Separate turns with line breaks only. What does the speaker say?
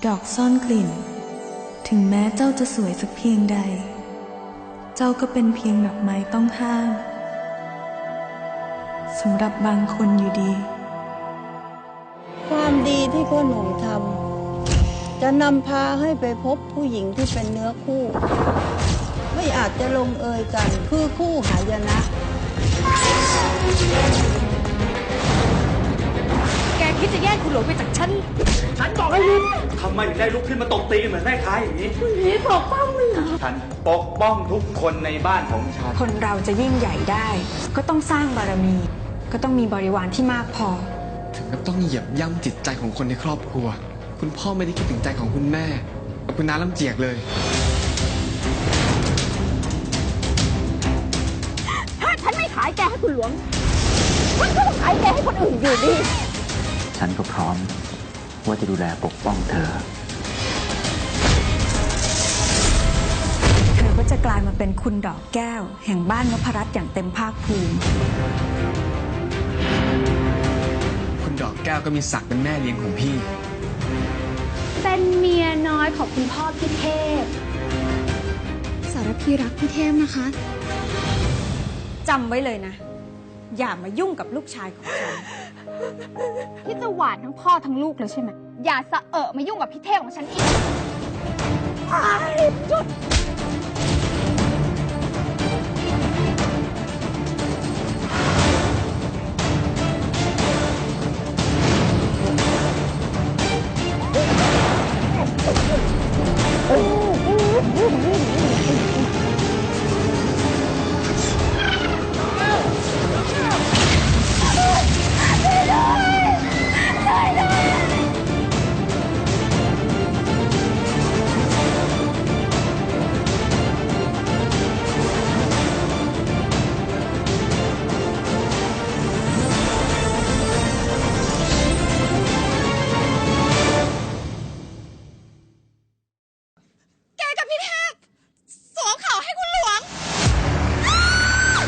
ดอกซ่อนกลิ่นถึงแม้เจ้าจะสวยสักเพียงใดเจ้าก็เป็นเพียงดอกไม้ต้องห้ามสำหรับบางคนอยู่ดี
ความดีที่พ่อหนุ่มทำจะนำพาให้ไปพบผู้หญิงที่เป็นเนื้อคู่ ไม่อาจจะลงเอยกันคือคู่หายนะ
แกคิดจะแย่งคุณหลวงไปจากฉันบอกให้หยุดทำไมถึงได้ลุกขึ้นมาตบตีเหมือนแม่ค้าอย่างนี้คุณพี่ปกป้องมึงเหรอฉันปกป้องทุกคนในบ้านของฉัน
คนเราจะยิ่งใหญ่ได้ก็ต้องสร้างบารมีก็ต้องมีบริวารที่มากพอ
ถึงกับต้องเหยียบย่ำจิตใจของคนในครอบครัวคุณพ่อไม่ได้คิดถึงใจของคุณแม่กับคุณน้าลำเจียกเลย
ถ้าฉันไม่ขายแกให้คุณหลวงฉันก็ต้องขายแกให้คนอื่นอยู่ดี
ฉันก็พร้อมว่าจะดูแลปกป้องเธอ
ก็จะกลายมาเป็นคุณดอกแก้วแห่งบ้านนพรัตน์อย่างเต็มภาคภูมิ
คุณดอกแก้วก็มีศักดิ์เป็นแม่เลี้ยงของพี่
เป็นเมียน้อยของคุณพ่อพี่เทพสารพีรักพี่เทพนะคะ
จำไว้เลยนะอย่ามายุ่งกับลูกชายของฉัน
ที่จะหวานทั้งพ่อทั้งลูกเลยใช่ไหมอย่าสะเอะมายุ่งกับพี่เทพของฉันอีกหยุด